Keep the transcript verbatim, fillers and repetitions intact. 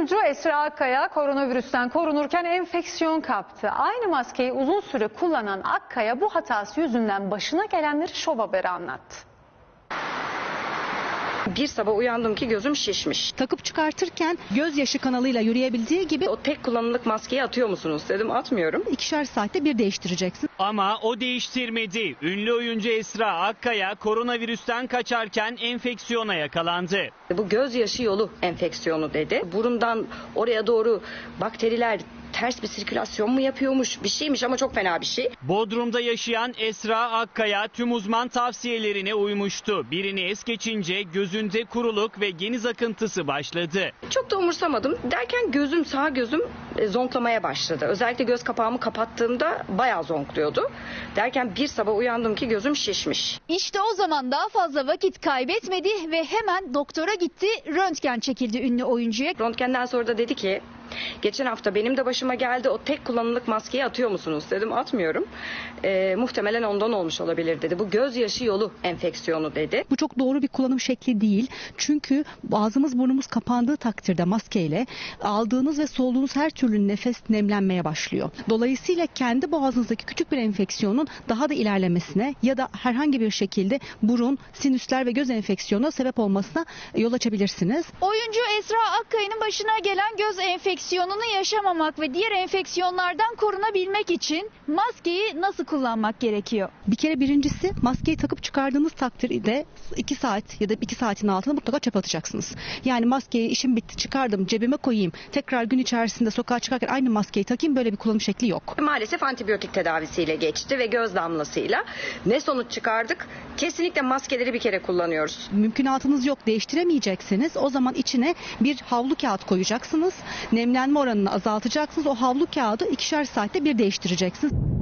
oyuncu Esra Akkaya koronavirüsten korunurken enfeksiyon kaptı. Aynı maskeyi uzun süre kullanan Akkaya bu hatası yüzünden başına gelenleri Şov Haber'e anlattı. Bir sabah uyandım ki gözüm şişmiş. Takıp çıkartırken gözyaşı kanalıyla yürüyebildiği gibi O tek kullanımlık maskeyi atıyor musunuz dedim, atmıyorum. ikişer saatte bir değiştireceksin. Ama o değiştirmedi. Ünlü oyuncu Esra Akkaya koronavirüsten kaçarken enfeksiyona yakalandı. Bu gözyaşı yolu enfeksiyonu dedi. Burundan oraya doğru bakteriler ters bir sirkülasyon mu yapıyormuş, bir şeymiş ama çok fena bir şey. Bodrum'da yaşayan Esra Akkaya tüm uzman tavsiyelerine uymuştu. Birini es geçince gözünde kuruluk ve geniz akıntısı başladı. Çok da umursamadım. Derken gözüm, sağ gözüm e, zonklamaya başladı. Özellikle göz kapağımı kapattığımda bayağı zonkluyordu. Derken bir sabah uyandım ki gözüm şişmiş. İşte o zaman daha fazla vakit kaybetmedi ve hemen doktora gitti. Röntgen çekildi ünlü oyuncuya. Röntgenden sonra da dedi ki, geçen hafta benim de başıma geldi, o tek kullanımlık maskeyi atıyor musunuz dedim, atmıyorum. E, muhtemelen ondan olmuş olabilir dedi. Bu gözyaşı yolu enfeksiyonu dedi. Bu çok doğru bir kullanım şekli değil. Çünkü ağzımız burnumuz kapandığı takdirde maskeyle aldığınız ve soluduğunuz her türlü nefes nemlenmeye başlıyor. Dolayısıyla kendi boğazınızdaki küçük bir enfeksiyonun daha da ilerlemesine ya da herhangi bir şekilde burun, sinüsler ve göz enfeksiyonuna sebep olmasına yol açabilirsiniz. Oyuncu Esra Akkaya'nın başına gelen göz enfeksiyonunu yaşamamak ve diğer enfeksiyonlardan korunabilmek için maskeyi nasıl kullanmak gerekiyor? Bir kere birincisi maskeyi takıp çıkardığınız takdirde iki saat ya da iki saatin altına mutlaka çöpe atacaksınız. Yani maskeyi işim bitti çıkardım cebime koyayım tekrar gün içerisinde sokağa çıkarken aynı maskeyi takayım, böyle bir kullanım şekli yok. Maalesef antibiyotik tedavisiyle geçti ve göz damlasıyla. Ne sonuç çıkardık? Kesinlikle maskeleri bir kere kullanıyoruz. Mümkünatınız yok, değiştiremeyeceksiniz. O zaman içine bir havlu kağıt koyacaksınız. Nemlenme oranını azaltacaksınız. O havlu kağıdı ikişer saatte bir değiştireceksiniz.